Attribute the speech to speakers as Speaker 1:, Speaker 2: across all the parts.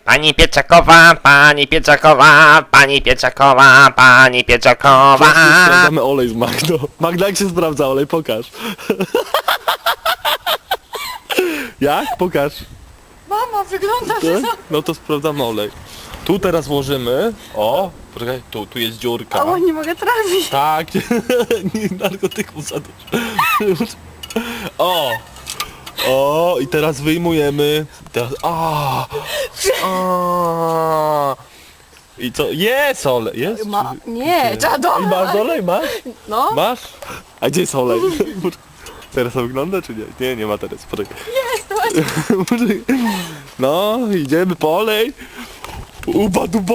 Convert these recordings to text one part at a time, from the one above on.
Speaker 1: Pani Pieczakowa, pani Pieczakowa, pani Pieczakowa, pani Pieczakowa.
Speaker 2: Sprawdzamy olej z Magdą. Magda, jak się sprawdza olej? Pokaż. Jak? Pokaż.
Speaker 3: Mama, wygląda, że
Speaker 2: Tak? No to sprawdzamy olej. Tu teraz włożymy. O, poczekaj, tu jest dziurka.
Speaker 3: Ała, nie mogę trafić.
Speaker 2: Tak, nie narkotyków za dużo. O, i teraz wyjmujemy. Teraz, I co? Jest olej, jest?
Speaker 3: Nie, trzeba
Speaker 2: I masz olej, masz?
Speaker 3: No,
Speaker 2: Masz? A gdzie jest olej? Teraz to wygląda, czy nie? Nie, nie ma teraz, poczekaj.
Speaker 3: jest, właśnie.
Speaker 2: Poczekaj. No, idziemy po olej. Uba duba,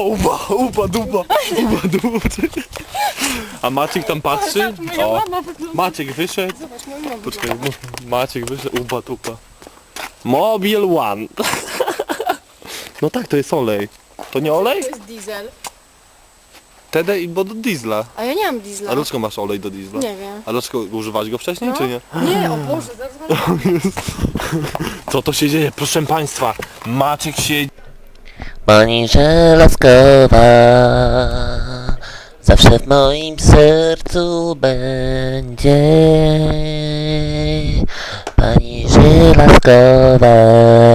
Speaker 2: poczekaj. A Maciek tam patrzy?
Speaker 3: Moja mama wygląda.
Speaker 2: Maciek wyszedł.
Speaker 3: Zobacz, moja mama
Speaker 2: Poczekaj, Maciek wyszedł, uba dupa. Mobile One. No tak, to jest olej. To nie olej?
Speaker 3: To jest diesel.
Speaker 2: Wtedy, bo do diesla.
Speaker 3: A ja nie mam diesla.
Speaker 2: A dlaczego masz olej do diesla?
Speaker 3: Nie wiem.
Speaker 2: A dlaczego używałeś go wcześniej,
Speaker 3: No.
Speaker 2: czy nie?
Speaker 3: Nie, o Boże, zaraz
Speaker 2: Co to się dzieje? Proszę Państwa, Maciek się...
Speaker 1: Pani Żelazkowa zawsze w moim sercu będzie. Pani Żelazkowa